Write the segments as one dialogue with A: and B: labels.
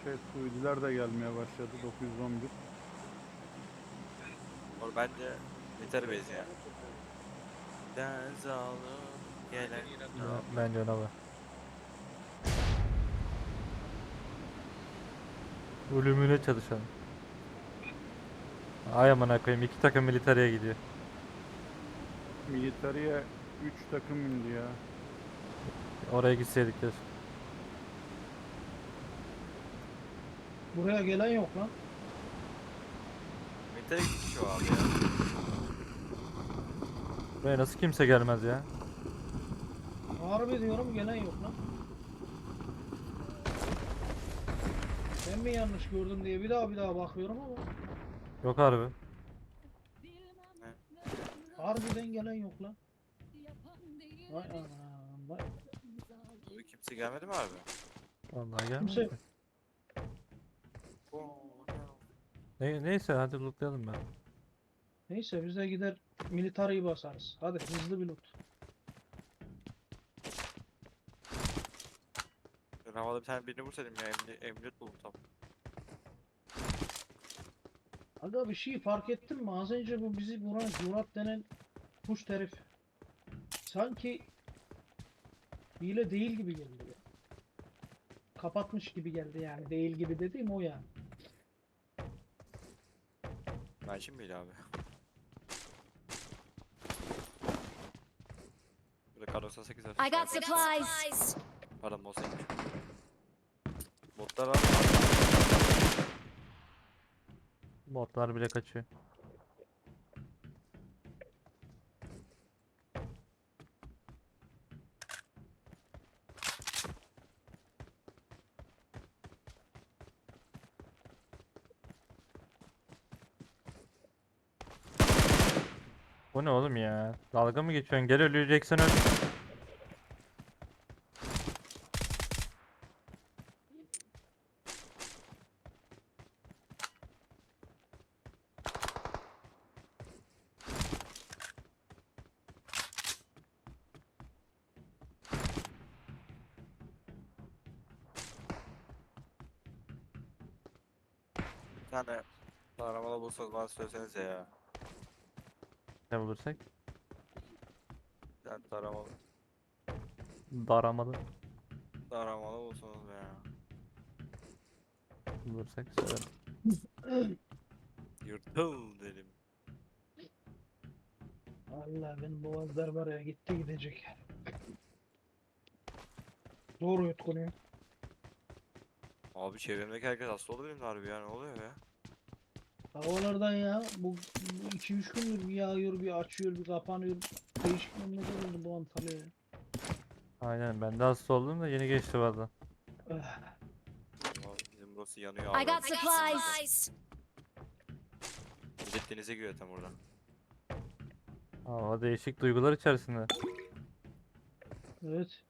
A: Suudiler de gelmeye başladı. 911.
B: Or bence yeter base ya. Deniz alıp gelen
C: Bence ona bak. Ölümüne çalışalım. Ay amına koyayım, iki takım militariye gidiyor.
A: Militariye 3 takım indi ya.
C: Oraya gitseydik keşke.
D: Buraya gelen yok lan.
B: Metal gitmiş o abi ya.
C: Buraya nasıl kimse gelmez ya?
D: Harbi diyorum gelen yok lan. Ben mi yanlış gördüm diye bir daha bakıyorum ama
C: Yok harbi.
D: harbiden gelen yok lan. Vay anam vay.
B: Abi kimse gelmedi mi abi?
C: Vallahi gelmez.
D: Kimse
C: Neyse hadi lootlayalım ben.
D: neyse biz de gider militariyi basarız. Hadi hızlı bir loot.
B: Ben havada bir tane birini vursaydım ya emniyet buldum tam.
D: Aga bir şey fark ettin mi? Az önce bu bizi vuran Murat denen kuş herif sanki hile değil gibi geldi ya. Kapatmış gibi geldi yani. Değil gibi dediğim o yani.
B: Ben şimdi miydi abi? Burada kar 98 var.
E: I got supplies.
B: Pardon boss ekmiş. Botlar var.
C: Botlar bile kaçıyor. Bu ne oğlum ya? Dalga mı geçiyorsun? Gel öleceksen öl.
B: Bir tane taramalı bulsanız bana söylesenize ya.
C: Ne bulursak?
B: Bir tane taramalı.
C: Daramalı
B: Taramalı bulsanız be ya.
C: bulursak söylerim.
B: Yırtıl dedim.
D: Allah benim boğazlar var ya gitti gidecek. Doğru yutkunuyor.
B: Abi çevremdeki herkes hasta oldu benim de harbi ya, ne oluyor ya?
D: Havalardan ya bu 2-3 gündür bir yağıyor bir açıyor bir kapanıyor. Değişik memleket oldu bu Antalya ya.
C: Aynen, ben de hasta oldum da yeni geçti valla.
D: Ah,
B: Bizim burası yanıyor
E: I
B: abi.
E: got supplies.
B: Millet denize giriyor tam oradan.
C: Hava değişik duygular içerisinde.
D: evet.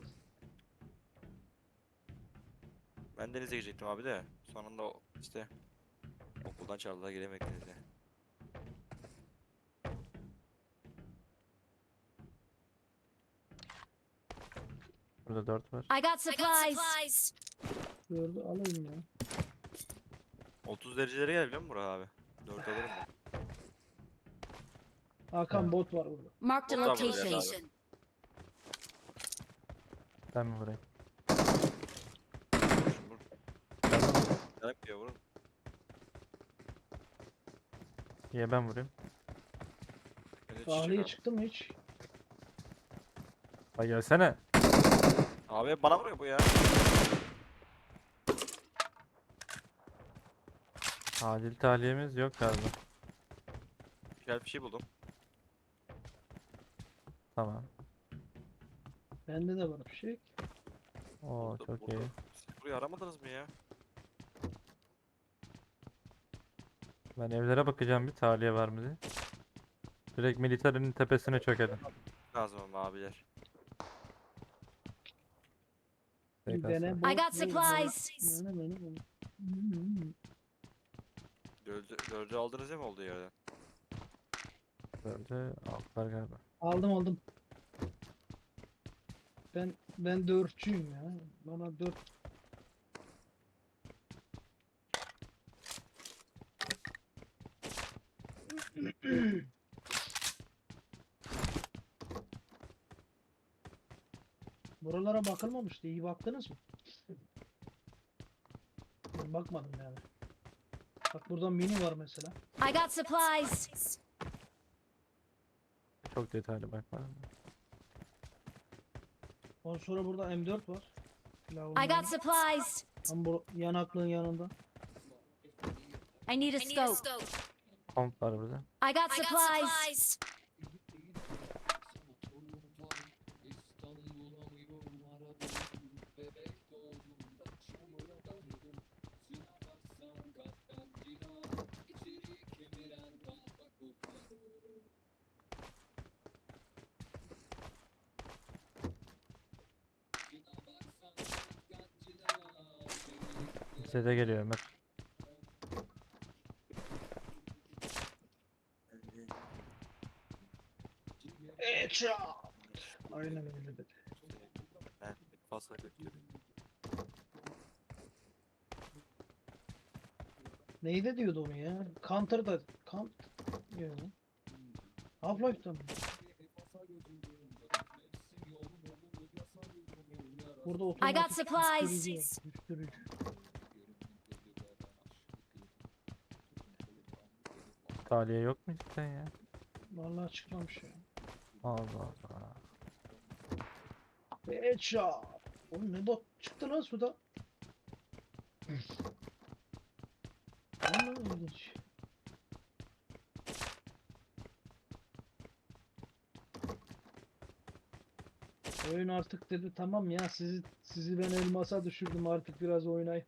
B: Ben denize girecektim abi de. Sonunda işte okuldan çağırdılar, gelemedik denize.
C: Burada 4 var.
E: I got supplies.
D: Gördü alayım ya.
B: 30 derecelere gel biliyor musun Burak abi? 4 alırım ben.
D: Hakan
C: Evet.
D: bot var burada.
E: Marked a
B: Bot var burada ya
E: location.
C: Ben mi vurayım?
B: Vur, vur. Yanıp diyor vurun.
C: Niye ben vurayım?
B: Beni çiçek
D: Tahliye
B: abi.
D: çıktı mı hiç?
C: Ay gelsene.
B: Abi bana vuruyor bu ya.
C: Acil tahliyemiz yok galiba.
B: Güzel bir şey buldum.
C: Tamam.
D: Bende de var bir şey.
C: Oo
B: Buldum,
C: çok
B: buldum.
C: iyi.
B: Siz burayı aramadınız mı ya?
C: Ben evlere bakacağım, bir tahliye var mı diye. Direkt militerinin tepesine çökelim.
B: Lazım ama abiler.
D: Bir
C: TKS.
D: dene
E: I
D: bot.
E: got supplies.
B: Dördü aldınız ya mı oldu yerden?
C: Böyle altlar galiba.
D: Aldım. Ben dörtçüyüm ya. Bana dört Buralara bakılmamıştı. İyi baktınız mı? Ben bakmadım yani. Bak burada mini var mesela.
E: I got supplies.
C: Çok detaylı bakmadım.
D: Ondan sonra burada M4 var.
E: I got supplies.
D: Tam bu yanaklığın yanında.
E: I need a scope.
C: Komp var burada.
E: I got supplies.
C: Size geliyor Ömer.
D: Headshot. Aynen öyle dedi.
B: Ben fazla götürüyorum.
D: Neyde diyordu onu ya? Counter'da. Yok. Half-Life'da mı? Burada
E: I
D: otomatik
E: got supplies.
D: düşürücü var.
C: Taliye yok mu cidden ya?
D: Vallahi çıkmamış ya.
C: Allah Allah.
D: Headshot. Oğlum ne bot çıktı lan suda. Vallahi ilginç. Oyun artık dedi tamam ya sizi ben elmasa düşürdüm artık biraz oynayın.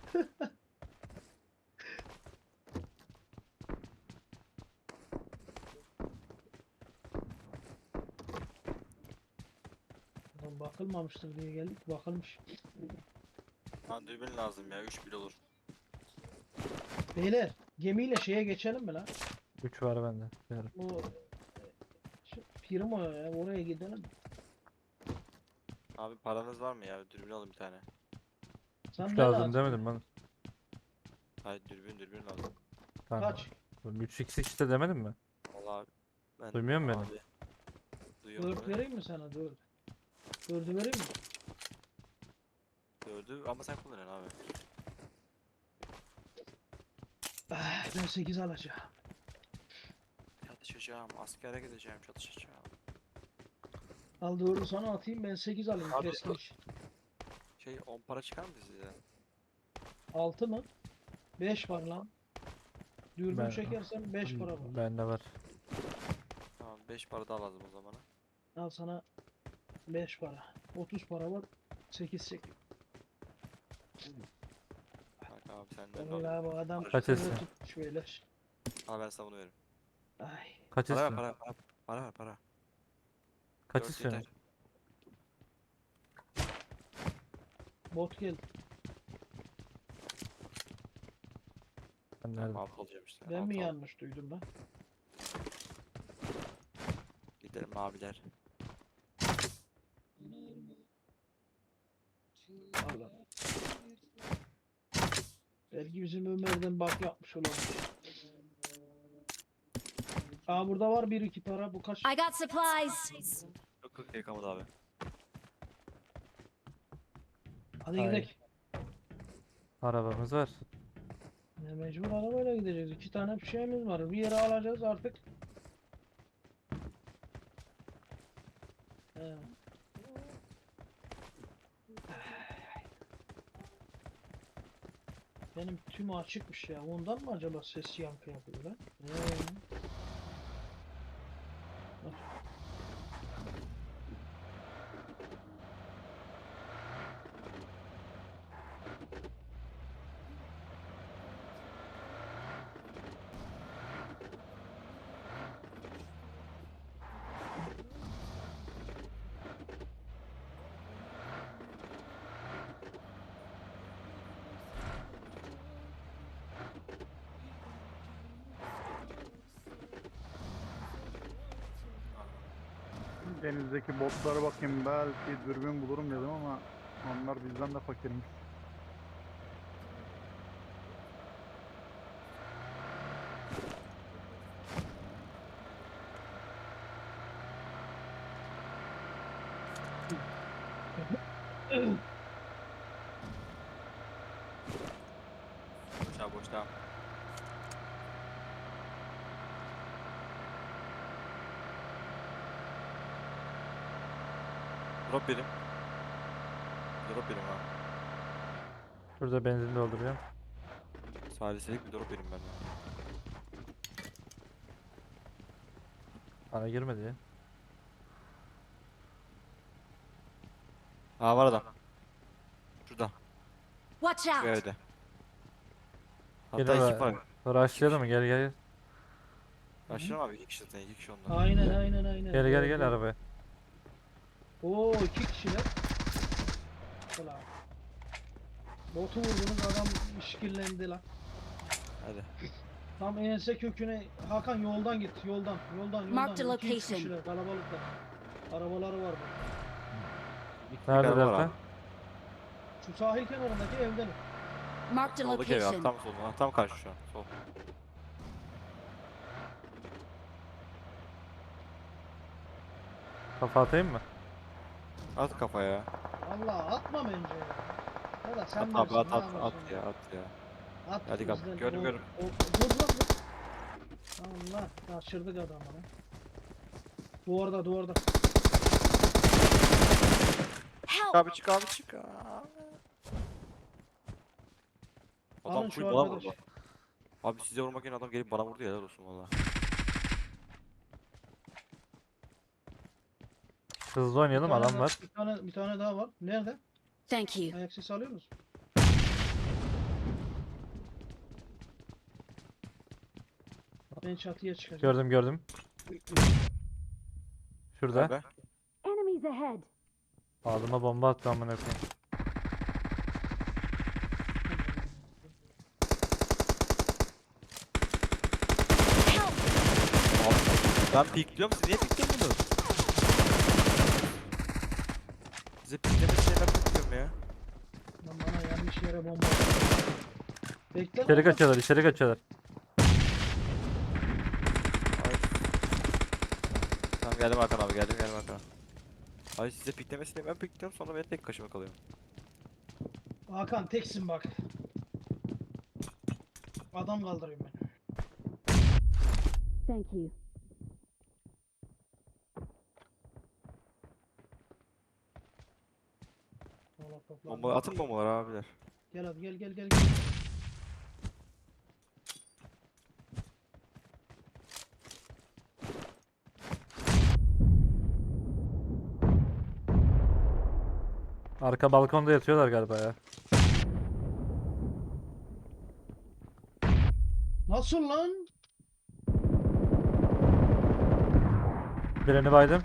D: Ulan bakılmamıştır diye geldik bakılmış.
B: Ha dürbün lazım ya 3 bile olur.
D: Beyler gemiyle şeye geçelim mi lan?
C: 3 var bende. Yarım.
D: Bu şu firma ya oraya gidelim.
B: Abi paranız var mı ya? Dürbün alın bir tane.
D: Sen
C: 3
D: ne
C: lazım demedim ben.
B: Hayır dürbün lazım.
C: Tamam.
D: Kaç?
C: 3x işte demedim mi?
B: Vallahi ben
C: Duymuyor musun beni?
B: abi, duyuyorum
D: 4
B: beni.
D: vereyim mi sana 4? 4'ü vereyim mi?
B: 4'ü ama sen kullanıyorsun abi.
D: Ah, ben 8 alacağım.
B: Çatışacağım, askere gideceğim, çatışacağım.
D: Al 4'ü sana atayım ben 8 alayım
B: Abi,
D: keskin iş.
B: 10 para çıkar mı size?
D: 6 mı? 5 var lan. Dürbün
C: Ben-
D: çekersen 5 para var.
C: Bende var.
B: Tamam 5 para daha lazım o zaman.
D: Al sana 5 para. 30 para var. 8 çekiyor.
B: Bak abi sen de
D: Vallahi bu adam
B: Kaç
D: kafayı
C: etsin?
D: tutmuş beyler.
B: al ben sana bunu veririm.
D: Ay.
C: Kaç
B: Para ver
C: istiyorsun?
B: para ver para.
C: Kaç
B: 4
C: istiyorsun?
B: yeter.
D: Bot geldi.
C: Ben nerede?
B: Tamam alt alacağım işte.
D: Ben
B: alt
D: mi
B: al.
D: yanlış duydum ben?
B: Gidelim abiler.
D: Allah. Belki bizim Ömer'den bak yapmış olabilir. Aa burada var 1-2 para. Bu kaç?
E: I got supplies.
B: Yok yok yıkamadı abi.
D: Hadi
C: Hayır.
D: gidelim.
C: Arabamız var.
D: Ya mecbur arabayla gideceğiz. 2 tane bir şeyimiz var. Bir yere alacağız artık. He. Benim tüm açıkmış ya. Ondan mı acaba ses yankı yapıyor lan?
A: Denizdeki botlara bakayım belki dürbün bulurum dedim ama onlar bizden de fakirmiş.
B: Drop benim. Drop benim ha.
C: Şurada benzin dolduruyorum.
B: Saliselik bir drop benim benden.
C: Bana girmedi ya.
B: Aa var adam. Şurada.
E: Watch
B: Şu
E: out!
B: evde. Hatta
C: Geliyor
B: ekip var.
C: Rushlayalım mı? Gel gel.
B: Başlayalım abi 2 kişi zaten 2 kişi onlar.
D: Aynen.
C: Gel gel
D: Doğru,
C: gel
D: doğru.
C: arabaya.
D: Oo 2 kişiler. Ulan. Botu vurdunuz adam işkillendi lan.
B: Hadi.
D: Tam ense köküne Hakan yoldan git yoldan.
E: Mark the
D: 2-3
E: location.
D: kişiler kalabalıklar. Arabaları var burada.
C: Nerede
B: araba var
C: delta?
B: abi.
D: Şu sahil kenarındaki evden.
E: Marked a
B: Soldaki ev abi
E: location.
B: tam solda. Tam karşı şu an. Sol.
C: Kafa atayım mı?
B: At kafaya.
D: Allah atma bence ya. Ya da sen
B: At abi
D: bilirsin,
B: at
D: ne
B: at
D: yapıyorsun
B: at ya at ya.
D: At
B: Hadi kap,
D: bizden.
B: gördüm, gördüm.
D: Dur lan dur. Allah kaçırdık adamı lan. Duvarda.
E: Help!
B: Abi çık abi çık.
D: Alın
B: Adam
D: şu
B: full bana
D: arkadaş.
B: vurdu. Abi size vurmak yerine adam gelip bana vurdu ya helal olsun valla.
C: Hızlı oynayalım, adam
D: daha-
C: var.
D: Bir tane daha var. Nerede?
E: Thank you.
D: Ayak sesi alıyor musun? Ben çatıya çıkacağım.
C: Gördüm. Şurada.
B: Abi.
E: Enemies ahead.
C: Ağzıma bomba attı amına koyayım.
E: Help!
B: Abi ben pikliyorum siz niye pikliyorsunuz? Size piklemesine ben pikliyorum ya.
D: Lan bana yanlış yere bomba. Bekle.
C: İçeri
D: lan.
C: kaçıyorlar.
B: Ay. Tamam geldim Hakan abi geldim Hakan. Ay size piklemesine ben pikliyorum sonra ben tek kaşıma kalıyorum.
D: Hakan teksin bak. Adam kaldırıyorum ben.
E: Thank you.
D: Valla toplar.
B: Bomba atın bombaları abiler.
D: Gel hadi gel.
C: Arka balkonda yatıyorlar galiba ya.
D: Nasıl lan?
C: Birini baydım.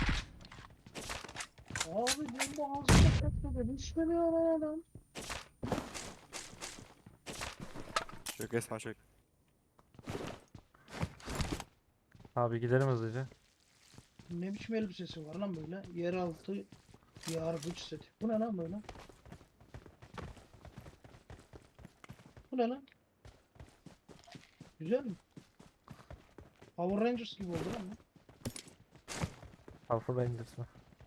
D: Abi bomba ağzına kaçmadı. Düşmüyor lan adam.
B: Çök Esma çök.
C: Abi gidelim hızlıca.
D: Ne biçim elbisesi var lan böyle? Yeraltı yargıç seti. Bu ne lan böyle? Bu ne lan? Güzel mi? Power Rangers gibi oldu lan bu.
C: Alpha Rangers mı?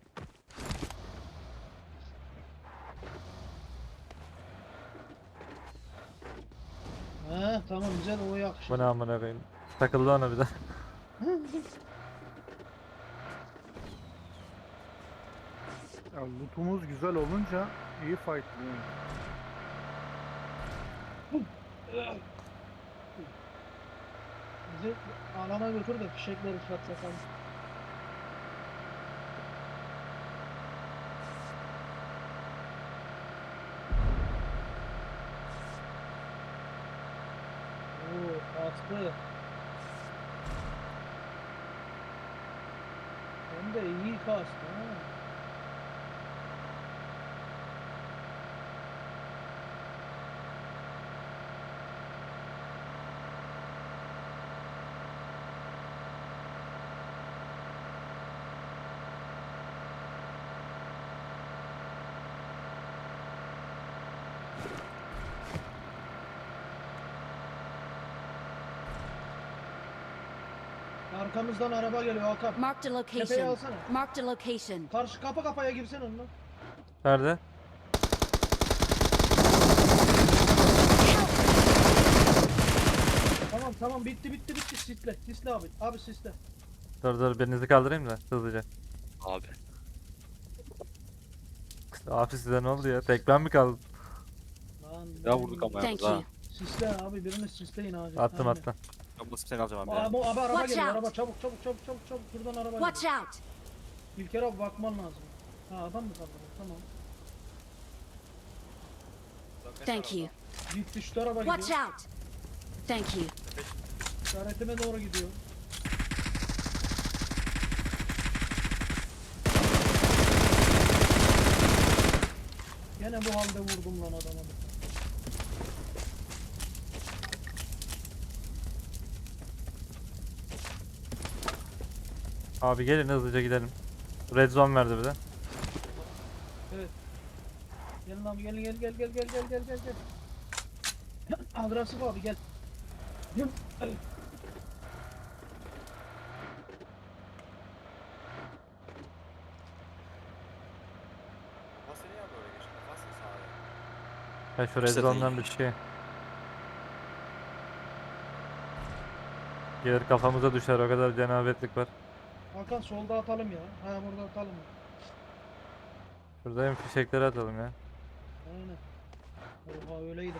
D: He tamam güzel o yakışır.
C: Bu ne amına koyayım. Takıldı ona bir de.
A: Ya lootumuz güzel olunca iyi fightlıyoruz.
D: Bizi alana götür de fişekleri patlatalım. Oo attı. Hem de iyi kastı ha. Arkamızdan araba geliyor Hakan.
E: Marked a
D: Tepeye
E: location.
D: alsana.
E: Marked a location.
D: Karşı kapı kafaya girsen onunla.
C: Nerede?
D: Tamam bitti sisle abi sisle.
C: Dur birinizi kaldırayım da hızlıca.
B: Abi.
C: Abi size ne oldu ya? Tek ben mi kaldım?
D: Lan
B: Ya vurduk ama
E: Thank
B: yalnız
E: you.
B: ha.
D: Sisle abi birini sisleyin acil.
C: Attım
D: Aynen.
C: attım.
B: Ben basıp seni alacağım abi ya.
D: Abi araba
E: Watch
D: geliyor
E: out.
D: araba çabuk çabuk çabuk çabuk çabuk şuradan araba
E: Watch
D: geliyor.
E: out!
D: İlker abi bakman lazım. Ha adam mı kaldı? Tamam.
E: Thank you.
D: Gitti şu tarafa
E: Watch
D: gidiyor.
E: out! Thank you.
D: İşaretime doğru gidiyor. Gene bu halde vurdum lan adama.
C: Abi gelin hızlıca gidelim. Red zone verdi bir de.
D: Evet. Gelin abi gelin gel. Agresif abi gel. Gel.
B: Nasıl ya böyle geçti? Nasıl sahaya?
C: Ya şu red
B: İşte
C: zone'dan bir şey. Gelir kafamıza düşer, o kadar cenabetlik var.
D: Hakan solda atalım ya. Ha burada atalım.
C: Şurada hem fişekleri atalım ya.
D: Aynen. Oha öyleydi.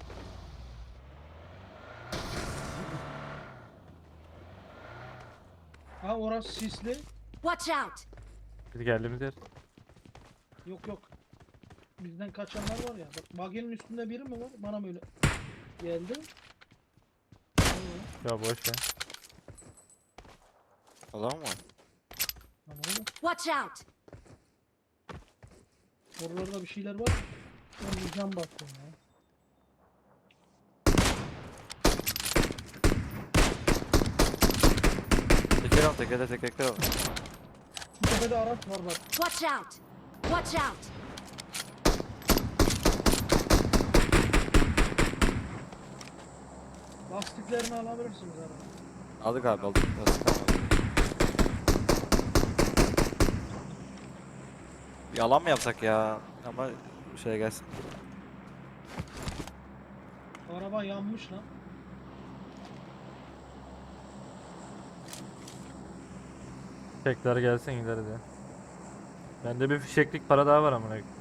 D: Ha orası sisli.
E: Watch out!
C: Biz geldiğimiz yer.
D: Yok. Bizden kaçanlar var ya. Bak baginin üstünde biri mi var? Bana böyle geldi.
C: Ya boş ya.
B: Adam mı?
D: Tamam oğlum.
E: Watch out!
D: Oralarda bir şeyler var. Ben bir cam baktım ya.
B: Teker al teker al.
D: Şu tepede araç var bak.
E: Watch out! Watch out!
D: Lastiklerini alabilirsiniz abi.
B: Aldık abi aldık. Nasıl tamam. Bir alan mı yapsak ya? Ama şeye gelsin.
D: Araba yanmış lan.
C: Fişekler gelsin gideriz ya. Bende bir fişeklik para daha var amına koyayım.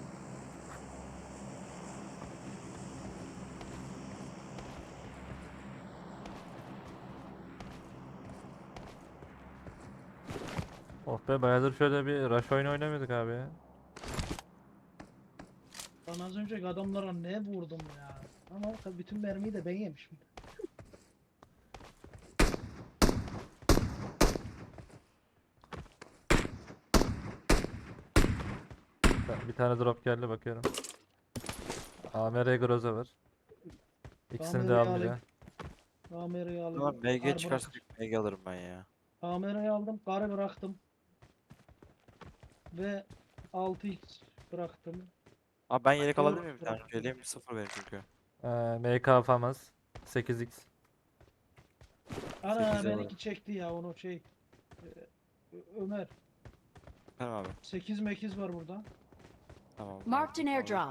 C: Oh be, bayağıdır şöyle bir rush oyunu oynamıyorduk abi ya.
D: Ben az önce adamlara ne vurdum ya. Ama tabii bütün mermiyi de ben yemişim.
C: Bir tane drop geldi, bakıyorum. AMR Groza var. İkisini de
D: AMR'yi
C: aldım ya.
D: alayım. Kamerayı
B: Tamam
D: alıyorum.
B: MG çıkarsa MG alırım ben ya.
D: Kamerayı aldım. Karı bıraktım. Ve 6x bıraktım.
B: Abi ben yelek
D: Doğru,
B: alabilir miyim bir tane?
D: bırak.
B: Yeleğim sıfır benim çünkü.
C: MK Famaz 8x.
D: Ana
B: 8'e var.
D: benimki çekti ya onu şey. Ömer.
B: Tamam abi.
D: 8 mekiz var burada.
B: Tamam.
E: Marked an airdrop.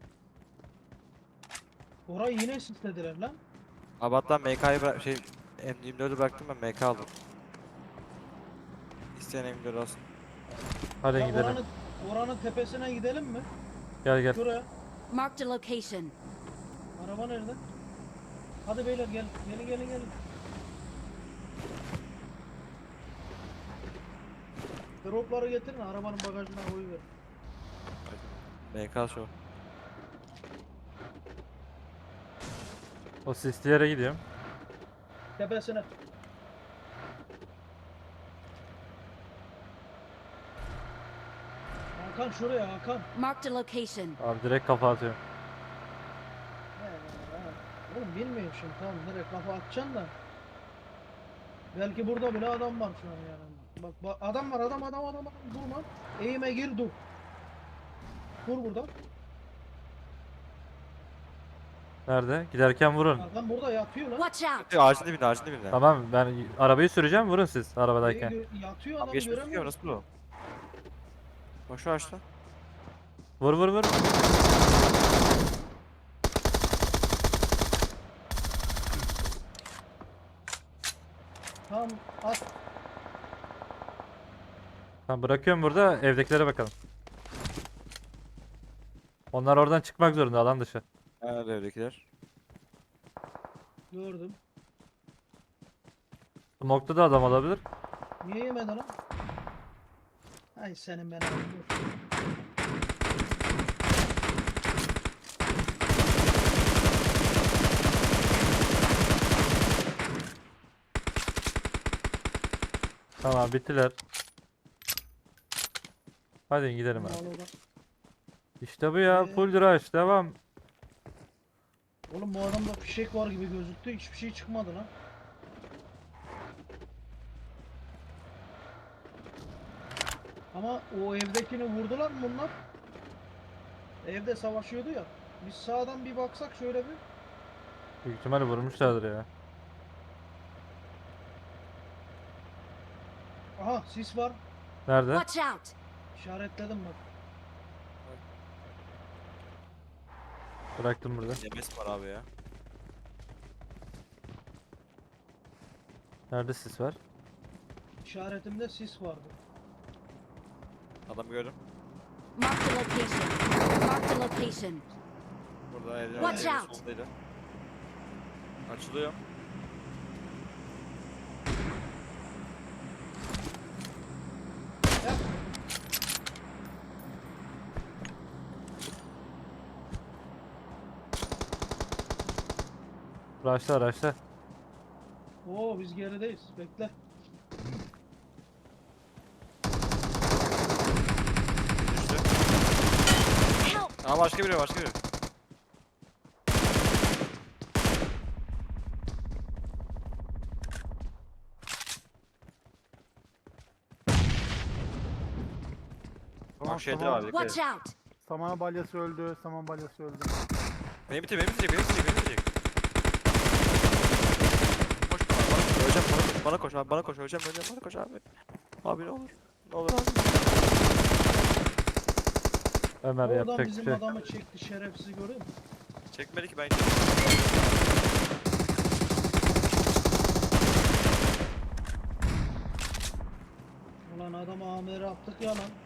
D: Orayı yine sislediler lan.
B: Abi hatta MK'yı bırak M24'ü bıraktım ben MK aldım. İsteyen M24 alsın.
C: Hadi
D: Ya
C: gidelim.
D: oranın tepesine gidelim mi?
C: Gel gel.
D: Şuraya.
E: Marked a location.
D: Araba nerede? Hadi beyler gel. Gelin. Dropları getirin arabanın bagajına koyuver.
B: MK şu.
C: O sisli yere gidiyorum.
D: Tepesine. Hakan şuraya Hakan.
E: Marked a location.
C: Abi direkt kafa atıyorum.
D: Oğlum bilmiyorum şimdi tamam nereye kafa atacaksın da. Belki burada bile adam var şu an yani. Bak adam var adam durma. Eğime gir dur. Dur burada.
C: Nerede? Giderken vurun.
D: Adam burada yatıyor lan.
E: Watch out!
B: Ağacın dibinde.
C: Tamam, ben arabayı süreceğim, vurun siz arabadayken.
D: Yatıyor
B: Abi
D: adam
B: geçmiş
D: göremiyor.
B: çıkıyor nasıl bu? Bak şu ağaçta.
C: Vur.
D: Tamam at.
C: Tamam, bırakıyorum burada, evdekilere bakalım. Onlar oradan çıkmak zorunda alan dışı.
B: Nerede evdekiler?
D: Gördüm.
C: Smoke'ta da adam olabilir.
D: Niye yemedi lan? Ay senin ben abi.
C: Tamam bittiler. Hadi gidelim abi. İşte bu ya. Full rush. Devam.
D: Oğlum bu adamda fişek var gibi gözüktü. Hiçbir şey çıkmadı lan. Ama o evdekini vurdular mı bunlar? Evde savaşıyordu ya. Biz sağdan bir baksak şöyle bir.
C: Büyük ihtimalle vurmuşlardır ya.
D: Aha sis var.
C: Nerede?
E: Watch out!
D: İşaretledim bak.
C: Bıraktım burada.
B: Yemes var abi ya.
C: Nerede sis var?
D: İşaretimde sis vardı.
B: Adam gördüm.
E: Mark the location. Mark the location.
B: Burada evde.
E: Watch
B: evin
E: out.
B: solundaydı. Açılıyor.
D: Yap.
C: Rush'la rush'la.
D: Oo biz gerideyiz. Bekle.
B: Düştü.
E: Help!
B: Aa başka biri başka biri.
A: Tamam,
B: Bak şeyde
A: tamam.
B: abi. dikkat
E: Watch
B: et.
E: out!
A: Saman balyası öldü. Saman balyası öldü.
B: Beni bitir, beni bitirecek, beni bitirecek, beni bitirecek. Koş bana, öleceğim bana koş abi, bana koş, öleceğim, bana koş abi. Abi ne olur, ne olur abi.
C: Ömer
D: Oradan
C: yapacak bir
D: bizim
C: şey.
D: adamı çekti şerefsiz görüyor musun?
B: Çekmedi ki ben.
D: Ulan adama amiri attık ya lan.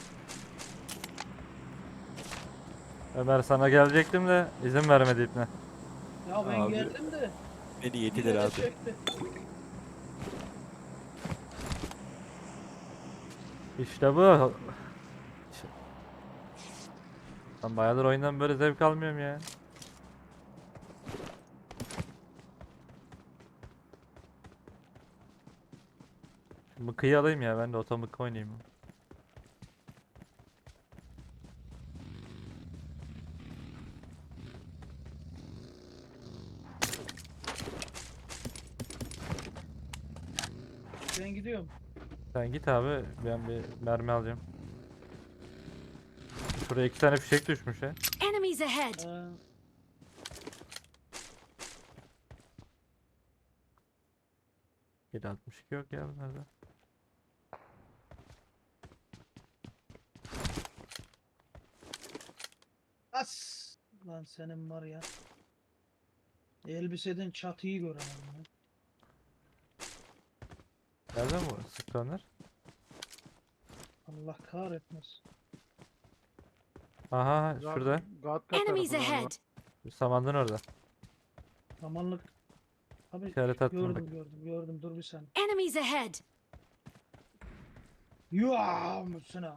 C: Ömer sana gelecektim de izin vermedi ipne.
D: Ya ben
B: Abi,
D: geldim de.
B: Beni
D: yine
B: yediler
D: de
B: abi.
D: çekti.
C: İşte bu. Ben bayağıdır oyundan böyle zevk almıyorum ya. Mıkıyı alayım ya, ben de otomık oynayayım.
D: Ben gidiyorum.
C: Sen git abi, ben bir mermi alacağım. Şuraya 2 tane fişek düşmüş ya.
E: Enemies ahead!
D: Ee,
C: Geri 62 yok ya bunlarda.
D: as. Lan senin var ya. Elbiseden çatıyı göremem ya.
C: Nereden bu sıktı onlar?
D: Allah kahretmesin.
C: Aha şurada.
A: Gatka
E: Enemies
A: tarafı galiba.
E: ahead!
C: Samandın orada.
D: Samanlık. Abi
C: İşaret attım bak.
D: gördüm dur bir saniye.
E: Enemies ahead!
D: Yuaa mısına.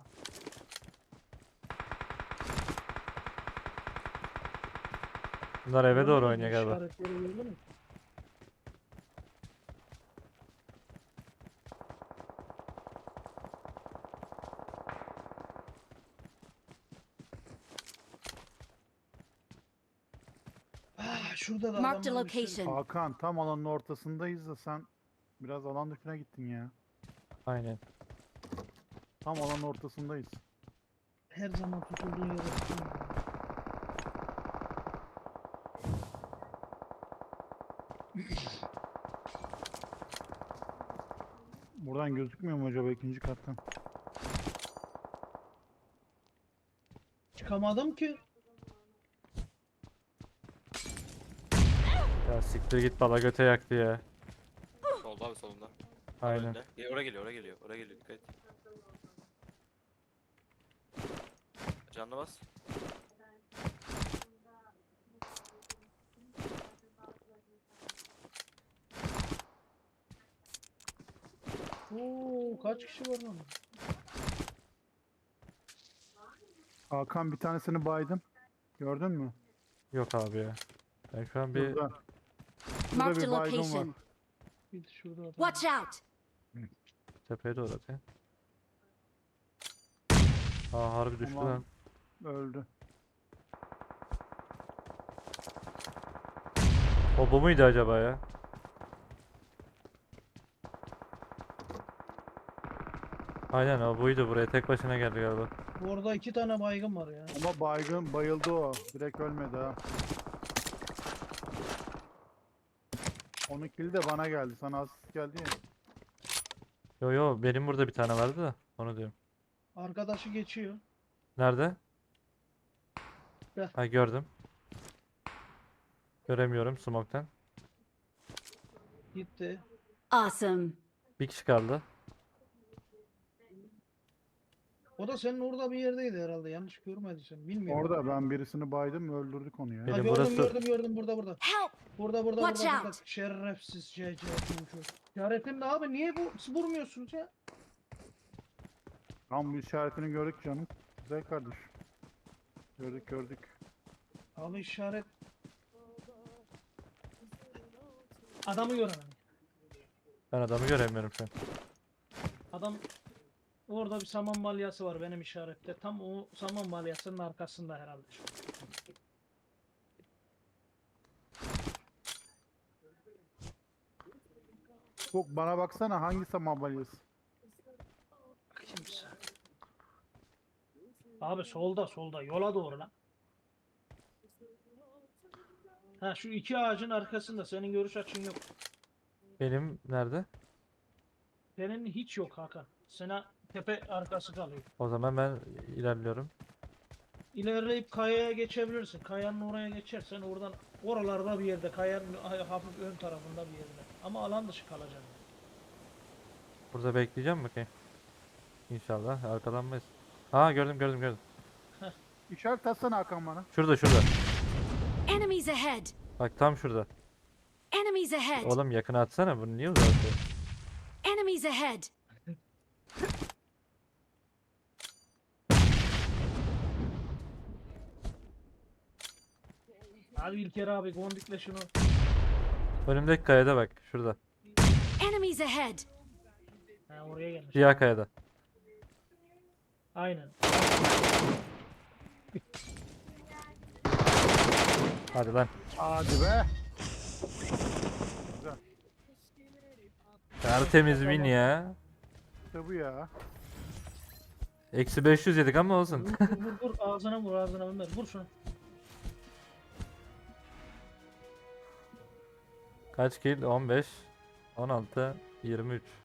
C: Bunlar eve doğru oynuyor galiba.
D: İşaretleri gördün mü? Ah, şurada da
E: Marked a
D: adamlar bir sürü-
E: location.
A: Hakan tam alanın ortasındayız da sen biraz alan dışına gittin ya.
C: Aynen.
A: Tam alanın ortasındayız.
D: Her zaman tutulduğun yere tutuyorum.
A: Buradan gözükmüyor mu acaba ikinci kattan?
D: Çıkamadım ki.
C: Ya siktir git, bala göte yaktı ya.
B: Solda abi solunda.
C: Aynen.
B: Önünde. Oraya geliyor, oraya geliyor, oraya geliyor, dikkat et. Canlı bas.
D: Oo, kaç kişi var lan?
A: Hakan bir tanesini baydım. Gördün mü?
C: Yok abi ya. Ben şu an bir
A: Şurada. Şurada
E: Marked
A: bir
E: a
A: baygın var.
E: location.
D: Bir şurada adam.
E: Watch out!
C: tepeye doğru atayım. Aa harbi düştü
A: Tamam.
C: lan.
A: Öldü.
C: O bu muydu acaba ya? Aynen o buydu, buraya tek başına geldi galiba.
D: Orada 2 tane baygın var ya.
A: Ama baygın bayıldı o. Direkt ölmedi ha. Onun kili de bana geldi. Sana asist geldi ya.
C: Yo yo, benim burada bir tane vardı da onu diyorum.
D: Arkadaşı geçiyor.
C: Nerede?
D: Gel.
C: Ha gördüm. Göremiyorum smoke'tan.
D: Gitti.
E: Awesome.
C: Bir kişi kaldı.
D: O da senin orada bir yerdeydi herhalde. Yanlış görmediysen. Bilmiyorum.
A: Orada ben birisini baydım öldürdük onu ya.
C: Benim
D: Ha, gördüm
C: burası-
D: gördüm burada.
E: Help!
D: Burada
E: Watch
D: burada.
E: out.
D: Şerefsiz CC çocuk. İşaretin de abi niye vurmuyorsunuz ya?
A: Tam bu işaretini gördük canım. Güzel kardeş. Gördük.
D: Abi işaret. Adamı göremem.
C: Ben adamı göremiyorum şu an.
D: Adam orada bir saman balyası var benim işarette. Tam o saman balyasının arkasında herhalde.
A: Bak bana baksana hangisi mabalyası?
D: Kimse. Abi solda yola doğru lan. Ha şu iki ağacın arkasında senin görüş açın yok.
C: Benim nerede?
D: Senin hiç yok Hakan. Sana tepe arkası kalıyor.
C: O zaman ben ilerliyorum.
D: İlerleyip kayaya geçebilirsin. Kayanın oraya geçersen oradan oralarda bir yerde kayanın hafif ön tarafında bir yerde. Ama alan dışı kalacaksın.
C: Burada bekleyeceğim bakayım. İnşallah arkalanmayız. Aa gördüm.
A: İşaret atsana Hakan bana.
C: Şurada.
E: Enemies ahead!
C: Bak tam şurada.
E: Enemies ahead!
C: Oğlum yakına atsana, bunu niye uzatıyor?
E: Enemies ahead!
D: Hadi İlker abi gondikle şunu.
C: Önümdeki kayada bak, şurada.
E: Enemies ahead!
D: Ha oraya gelmiş.
C: Siyah kayada.
D: Aynen.
C: Hadi lan.
A: Hadi be.
C: Tertemiz win ya.
A: İşte bu ya.
C: Eksi 500 yedik ama olsun.
D: Vur ağzına vur Ömer. Vur şunu.
C: Kaç kill? 15, 16, 23.